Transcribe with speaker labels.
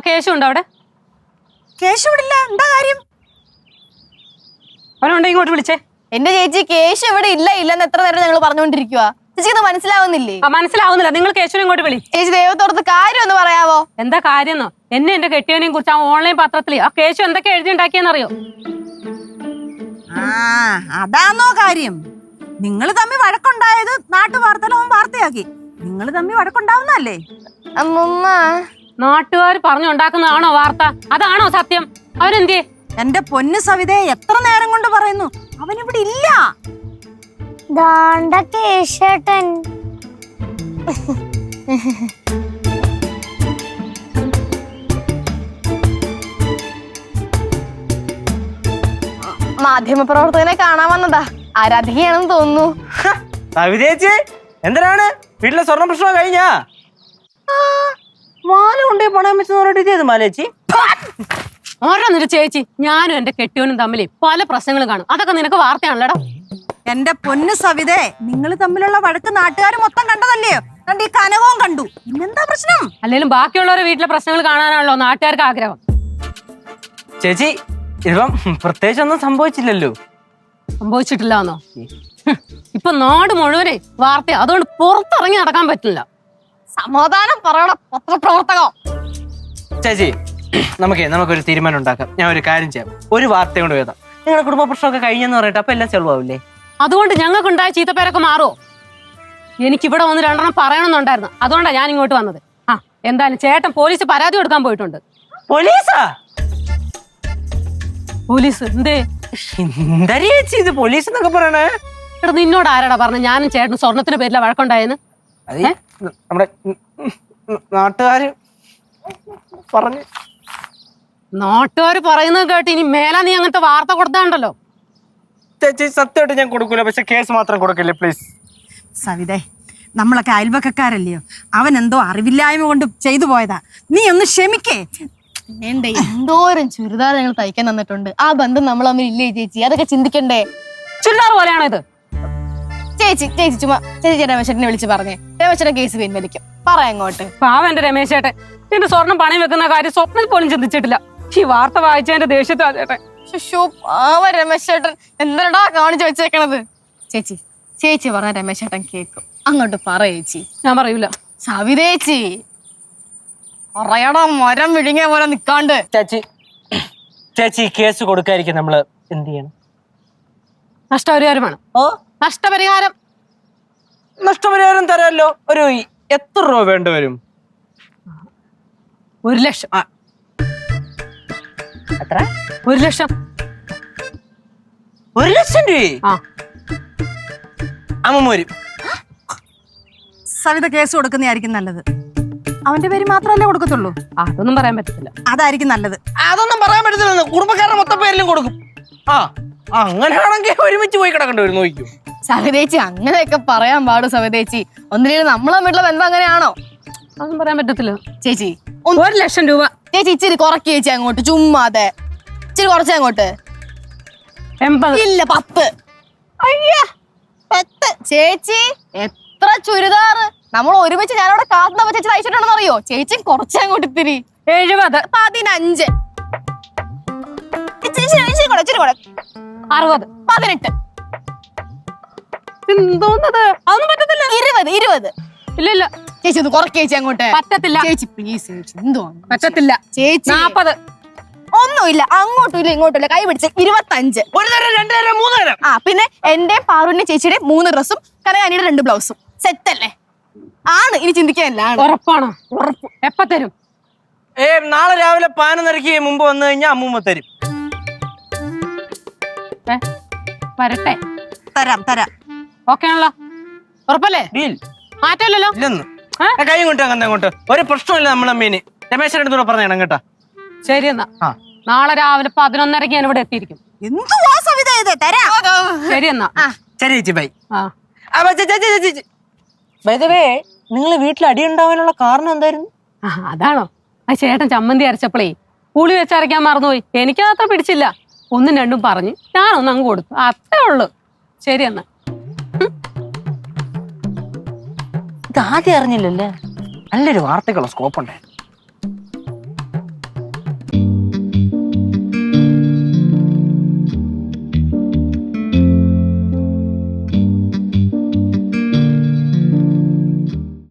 Speaker 1: കേശു ഉണ്ടോ അവിടെ?
Speaker 2: കേശു ഇവിടില്ല. എന്താ കാര്യം?
Speaker 1: അവനുണ്ടെ ഇങ്ങോട്ട് വിളിച്ചേ.
Speaker 3: എന്റെ ചേച്ചി കേശു ഇവിടെ ഇല്ലെന്ന് എത്ര നേരം ഞങ്ങൾ പറഞ്ഞുകൊണ്ടിരിക്കുക. ചേച്ചിക്ക് മനസ്സിലാവുന്നില്ലേ?
Speaker 1: മനസ്സിലാവുന്നില്ല. നിങ്ങൾ കേശുവിനെ ഇങ്ങോട്ട് വിളി.
Speaker 3: ചേച്ചി ദൈവത്തോടത്ത് കാര്യം ഒന്ന് പറയാവോ?
Speaker 1: എന്താ കാര്യം? എന്നെ എന്റെ കെട്ടിയവനെയും കുറിച്ച് ആ ഓൺലൈൻ പത്രത്തില് ആ കേശു എന്തൊക്കെ എഴുതി ഉണ്ടാക്കിയെന്നറിയോ?
Speaker 2: അതാണോ കാര്യം? നിങ്ങൾ തമ്മിൽ വഴക്കുണ്ടായത് നാട്ടുവാർത്തയിലും അവൻ വാർത്തയാക്കി. നിങ്ങൾ തമ്മിൽ വഴക്കുണ്ടാവുന്നല്ലേ?
Speaker 3: അമ്മമ്മ,
Speaker 1: നാട്ടുകാർ പറഞ്ഞുണ്ടാക്കുന്നതാണോ വാർത്ത? അതാണോ സത്യം? അവനെന്തേ?
Speaker 2: എന്റെ പൊന്നു സവിതേ, എത്ര നേരം കൊണ്ട് പറയുന്നു അവനിവിടെ ഇല്ല.
Speaker 4: കേശേട്ടൻ
Speaker 3: മാധ്യമപ്രവർത്തകനെ കാണാൻ വന്നതാ. ആരാധികയാണെന്ന് തോന്നുന്നു.
Speaker 5: സവിതേച്ചി എന്തിനാണ്? വീട്ടിലെ സ്വർണ്ണ പ്രശ്നം കഴിഞ്ഞാ? മാല കൊണ്ടേ പണയം വെച്ച് പറഞ്ഞിട്ട് ഇതേത് മാലേച്ചി?
Speaker 1: ഓരോന്നിട്ട് ചേച്ചി, ഞാനും എന്റെ കെട്ടിയവനും തമ്മിൽ പല പ്രശ്നങ്ങളും കാണും. അതൊക്കെ നിനക്ക് വാർത്തയാണല്ലോടാ.
Speaker 2: എന്റെ പൊന്നു സവിതേ, നിങ്ങൾ തമ്മിലുള്ള വഴക്ക് നാട്ടുകാർ മൊത്തം കണ്ടതല്ലയോ? കണ്ട് ഈ കനകവും കണ്ടു. പിന്നെന്താ പ്രശ്നം?
Speaker 1: അല്ലെങ്കിലും ബാക്കിയുള്ളവരുടെ വീട്ടിലെ പ്രശ്നങ്ങൾ കാണാനാണല്ലോ നാട്ടുകാർക്ക് ആഗ്രഹം.
Speaker 5: ചേച്ചി ഇപ്പം പ്രത്യേകിച്ച് ഒന്നും സംഭവിച്ചില്ലല്ലോ.
Speaker 1: സംഭവിച്ചിട്ടില്ലാന്നോ? ഇപ്പൊ നാട് മുഴുവനെ വാർത്ത. അതുകൊണ്ട് പുറത്തിറങ്ങി നടക്കാൻ പറ്റില്ല.
Speaker 3: സമാധാനം പറയണ പത്രപ്രവർത്തകം.
Speaker 5: ചേച്ചി നമുക്കൊരു തീരുമാനം ഉണ്ടാക്കാം. ഞാൻ ഒരു കാര്യം ചെയ്യാം. ഒരു വാർത്ത കൊണ്ട് എഴുതാം. നിങ്ങളുടെ കുടുംബ പ്രശ്നമൊക്കെ കഴിഞ്ഞെന്ന് പറയട്ടെ, അപ്പൊ എല്ലാം സോൾവ് ആവില്ലേ?
Speaker 1: അതുകൊണ്ട് ഞങ്ങൾക്കുണ്ടായ ചീത്തപ്പേരൊക്കെ മാറുമോ? എനിക്കിവിടെ വന്ന് രണ്ടെണ്ണം പറയണമെന്നുണ്ടായിരുന്നു. അതുകൊണ്ടാണ് ഞാൻ ഇങ്ങോട്ട് വന്നത്. എന്തായാലും ചേട്ടൻ പോലീസ് പരാതി കൊടുക്കാൻ പോയിട്ടുണ്ട്.
Speaker 5: പോലീസാ?
Speaker 1: പോലീസ് എന്തേ?
Speaker 5: എന്താ ചേച്ചി ഇത് പോലീസ് എന്നൊക്കെ പറയണേ?
Speaker 1: എടാ, നിന്നോട് ആരാടാ പറഞ്ഞു ഞാനും ചേട്ടനും സ്വർണത്തിന്റെ പേരില വഴക്കുണ്ടായെന്ന്?
Speaker 5: നമ്മുടെ നാട്ടുകാര് പറഞ്ഞു.
Speaker 1: നാട്ടുകാർ പറയുന്നത് കേട്ട് ഇനി മേലാ നീ അങ്ങനത്തെ വാർത്ത കൊടുത്താണ്ടല്ലോ.
Speaker 5: ചേച്ചി സത്യമായിട്ട് ഞാൻ കൊടുക്കൂല, പക്ഷെ കേസ് മാത്രം കൊടുക്കില്ലേ പ്ലീസ്.
Speaker 2: സവിതേ, നമ്മളൊക്കെ അയൽവക്കക്കാരല്ലയോ? അവൻ എന്തോ അറിവില്ലായ്മ കൊണ്ട് ചെയ്തു പോയതാ. നീ ഒന്ന് ക്ഷമിക്കേ.
Speaker 3: വേണ്ടേ, എന്തോരം ചുരിദാർ ഞങ്ങൾ തയ്ക്കാൻ തന്നിട്ടുണ്ട്. ആ ബന്ധം നമ്മൾ തമ്മിൽ ഇല്ലേ ചേച്ചി? അതൊക്കെ ചിന്തിക്കണ്ടേ?
Speaker 1: ചുരിദാർ പോലെയാണോ ഇത്?
Speaker 3: ചേച്ചി ചുമ്മാ ചേച്ചി രമേശേട്ടനെ വിളിച്ച് പറഞ്ഞേ. രമേശേട്ടൻ കേസ് പിൻവലിക്കും. പറയാം അങ്ങോട്ട്.
Speaker 1: പാവം എന്റെ രമേശ് ചേട്ടൻ. എന്റെ സ്വർണം പണയം വെക്കുന്ന കാര്യം സ്വപ്നത്തിൽ പോലും ചിന്തിച്ചിട്ടില്ല. ഈ വാർത്ത വായിച്ചതിന്റെ ദേഷ്യത്താ ചേട്ടൻ.
Speaker 3: രമേശേട്ടൻ എന്താടാ കാണിച്ചു വെച്ചേക്കണത്? ചേച്ചി പറഞ്ഞ രമേശേട്ടൻ കേക്കും. അങ്ങോട്ട് പറയേച്ചി.
Speaker 1: ഞാൻ പറയൂല.
Speaker 3: സവിതേച്ചി പറയടാ, മരം വിഴുങ്ങിയ പോലെ നിക്കാണ്ട്.
Speaker 5: ചേച്ചി കേസ് കൊടുക്കാതിരിക്കും നമ്മള് എന്ത് ചെയ്യണം?
Speaker 1: നഷ്ടപരിഹാരമാണ്.
Speaker 5: നഷ്ടപരിഹാരം തരാമല്ലോ. ഒരു എത്ര രൂപ വേണ്ടി വരും?
Speaker 1: 1 ലക്ഷം.
Speaker 5: എത്ര?
Speaker 1: 1 ലക്ഷം.
Speaker 5: 1 ലക്ഷം രൂപ? അമ്മ വരും.
Speaker 2: സവിത കേസ് കൊടുക്കുന്നതായിരിക്കും നല്ലത്. അവന്റെ പേര് മാത്രമല്ലേ കൊടുക്കത്തുള്ളൂ?
Speaker 1: അതൊന്നും പറയാൻ പറ്റത്തില്ല.
Speaker 2: അതായിരിക്കും നല്ലത്.
Speaker 5: അതൊന്നും പറയാൻ പറ്റത്തില്ല. കുടുംബക്കാരുടെ മൊത്തം പേരിലും കൊടുക്കും. അങ്ങനെയാണെങ്കിൽ ഒരുമിച്ച് പോയി കിടക്കേണ്ടി വരും. നോക്കും
Speaker 3: സവിതേച്ചി, അങ്ങനെയൊക്കെ പറയാൻ പാടും സവിതേച്ചി. ഒന്നിനും നമ്മൾ തമ്മിലുള്ള ബന്ധം അങ്ങനെയാണോ?
Speaker 1: അതൊന്നും പറയാൻ പറ്റത്തില്ല
Speaker 3: ചേച്ചി.
Speaker 1: 1 ലക്ഷം രൂപ.
Speaker 3: ചേച്ചി ഇച്ചിരി കുറയ്ക്ക് ചേച്ചി അങ്ങോട്ട്. ചുമ്മാതെ ഇച്ചിരി കുറച്ച് അങ്ങോട്ട്.
Speaker 1: 80.
Speaker 3: ഇല്ല, 10. അയ്യാ, 10. ചേച്ചി എത്ര ചുരിദാർ നമ്മൾ ഒരുമിച്ച് ഞാനവിടെ കാത്തുന്നപ്പോ ചേച്ചി തയ്ച്ചിട്ടുണ്ടെന്ന് അറിയോ? ചേച്ചി കുറച്ച് അങ്ങോട്ട് ഇത്തിരി.
Speaker 1: 70.
Speaker 3: 15. ഇച്ചിരി 60. 18.
Speaker 1: എന്തോന്നത്? അതൊന്നും പറ്റത്തില്ല.
Speaker 3: 20.
Speaker 1: ഇല്ല
Speaker 3: ചേച്ചി ഒന്ന് കുറയ്ക്ക് ചേച്ചി അങ്ങോട്ട്.
Speaker 1: പറ്റത്തില്ല
Speaker 3: ചേച്ചി പ്ലീസ് ചേച്ചി. എന്തോ
Speaker 1: പറ്റത്തില്ല
Speaker 3: ചേച്ചി.
Speaker 1: 40.
Speaker 3: ഒന്നുമില്ല, അങ്ങോട്ടും ഇല്ല ഇങ്ങോട്ടും ഇല്ല. കൈ പിടിച്ച് 25.
Speaker 5: 1 തരം 2 തരം 3 തരം.
Speaker 3: പിന്നെ എന്റെ പാറുവിന്റെ ചേച്ചിയുടെ 3 ഡ്രസ്സും കനകാനിയുടെ 2 ബ്ലൗസും സെറ്റ് അല്ലേ? ആണ്, ഇനി ചിന്തിക്കാനല്ല.
Speaker 1: ഉറപ്പാണോ? ഉറപ്പ്. എപ്പ തരും?
Speaker 5: നാളെ രാവിലെ 11:30 മുമ്പ് വന്നു കഴിഞ്ഞാൽ അമ്മൂമ്മ തരും.
Speaker 1: വരട്ടെ.
Speaker 2: തരാം.
Speaker 1: ഓക്കെ ആണല്ലോ? ഉറപ്പല്ലേ? മാറ്റമില്ലല്ലോ.
Speaker 5: ഇല്ലെന്ന് കൈ കൊണ്ട് അങ്ങോട്ട് ഒരു പ്രശ്നമില്ല. നമ്മളെ മീന് രമേശന്റെ അടുത്തൂടെ പറഞ്ഞേണം കേട്ടാ.
Speaker 1: ശരി എന്നാ നാളെ രാവിലെ 11:30 ഞാൻ ഇവിടെ എത്തിയിരിക്കും.
Speaker 2: എന്തുവാ സവിത ഇത്? തരാം.
Speaker 1: ശരി എന്നാ.
Speaker 5: ശരി ചേച്ചി ബൈ. നിങ്ങൾ വീട്ടിൽ അടി ഉണ്ടാവാനുള്ള കാരണം എന്തായിരുന്നു?
Speaker 1: അതാണോ? ആ ചേട്ടൻ ചമ്മന്തി അരച്ചപ്പോളേ പുളി വെച്ചരയ്ക്കാൻ മറന്നുപോയി. എനിക്കതത്ര പിടിച്ചില്ല. 1ഉം 2ഉം പറഞ്ഞ് ഞാനൊന്നും അങ്ങ് കൊടുത്തു. അത്രേ ഉള്ളു. ശരി എന്നാ.
Speaker 5: ഇത് ആദ്യം അറിഞ്ഞില്ലല്ലേ? നല്ലൊരു വാർത്തക്കുള്ള സ്കോപ്പ് ഉണ്ടായിരുന്നു.